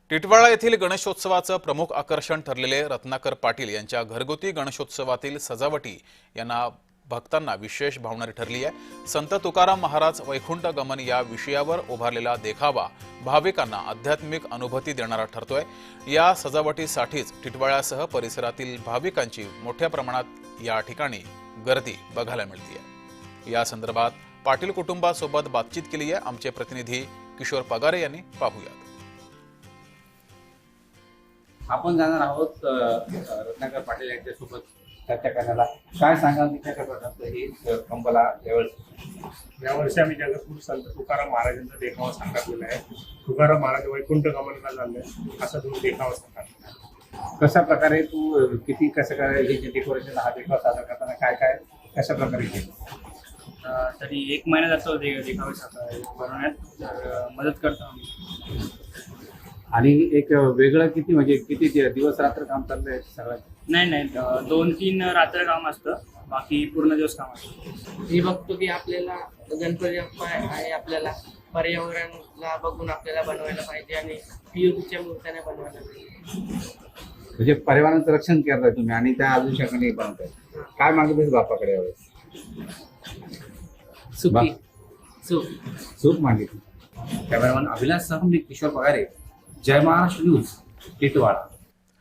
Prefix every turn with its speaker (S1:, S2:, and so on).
S1: टिटवाळा येथील गणेशोत्सवाचं प्रमुख आकर्षण ठरलेले रत्नाकर पाटील यांच्या घरगुती गणेशोत्सवातील सजावटी यांना भक्तांना विशेष भावणारी ठरली आहे। संत तुकाराम महाराज वैकुंठ गमन या विषयावर उभारलेला देखावा भाविकांना आध्यात्मिक अनुभूती देणारा ठरतोय। या सजावटीसाठीच टिटवाळ्यासह परिसरातील भाविकांची मोठ्या प्रमाणात या ठिकाणी गर्दी बघायला मिळते। या संदर्भात पाटील कुटुंबासोबत बातचीत केली आहे आमचे प्रतिनिधी किशोर पगारे यांनी। पाहूयात।
S2: आपण जाणार आहोत रत्नाकर पाटील यांच्यासोबत चर्चा करण्याला। काय सांगाल कशा प्रकारचं हे कंपला
S3: यावर्षी आम्ही जगद्गुरू संत तुकाराम महाराजांचा देखावा साकारलेला आहे। तुकाराम महाराज वैकुंठ गमनाला चालले असा तुम्ही देखावा साकारला।
S2: कशा प्रकारे तू किती कसं काय हे जे डेकोरेशन हा देखावा सादर करताना काय काय कशा प्रकारे केलं?
S4: तरी 1 महिना जातो देखावे बनवण्यात मदत करतो आम्ही।
S2: आणि एक वेगळं किती म्हणजे किती दिवस रात्र काम चाललंय सगळं?
S4: नाही 2-3 रात्र काम असतं, बाकी पूर्ण दिवस काम असतं।
S5: मी बघतो की आपल्याला गणपती बाप्पा आहे, आपल्याला पर्यावरणाला बघून आपल्याला बनवायला पाहिजे आणि पीओपीच्या मूर्त्याने बनवायला पाहिजे।
S2: म्हणजे पर्यावरणाचं रक्षण करताय तुम्ही आणि त्या आदर्शाकडे बनवताय। काय मागितलं बाप्पाकडे यावेळेस? सूप मागितली। कॅमेरामॅन अभिलाष सह मी किशोर पगारे, जय महाराष्ट्र न्यूज, टिटवाळा।